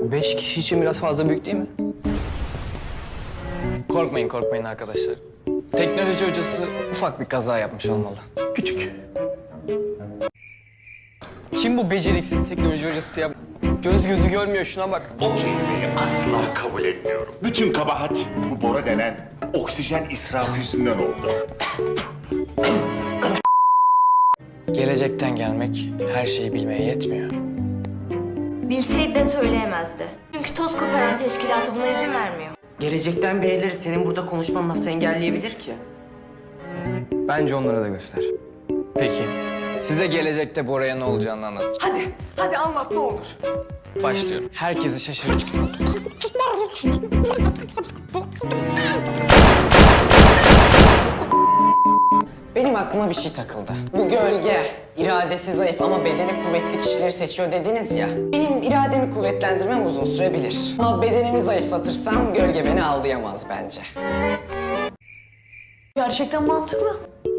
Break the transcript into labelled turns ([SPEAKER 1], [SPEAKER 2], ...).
[SPEAKER 1] 5 kişi için biraz fazla büyük değil mi? Korkmayın arkadaşlar. Teknoloji hocası ufak bir kaza yapmış olmalı.
[SPEAKER 2] Küçük.
[SPEAKER 1] Kim bu beceriksiz teknoloji hocası ya? Göz gözü görmüyor, şuna bak.
[SPEAKER 2] O kelimeyi asla kabul etmiyorum. Bütün kabahat bu Bora denen oksijen israfı yüzünden oldu.
[SPEAKER 1] Gelecekten gelmek her şeyi bilmeye yetmiyor.
[SPEAKER 3] Bilseydi de söyleyemezdi. Çünkü toz koparan teşkilatı buna izin vermiyor.
[SPEAKER 4] Gelecekten birileri senin burada konuşmanı nasıl engelleyebilir ki?
[SPEAKER 1] Bence onlara da göster. Peki, size gelecekte Bora'ya ne olacağını anlat.
[SPEAKER 4] Hadi anlat ne olur.
[SPEAKER 1] Başlıyorum. Herkesi şaşırtıcı.
[SPEAKER 4] Benim aklıma bir şey takıldı. Bu gölge, iradesi zayıf ama bedeni kuvvetli kişileri seçiyor dediniz ya. Benim irademi kuvvetlendirmem uzun sürebilir. Ama bedenimi zayıflatırsam gölge beni avlayamaz bence.
[SPEAKER 3] Gerçekten mantıklı.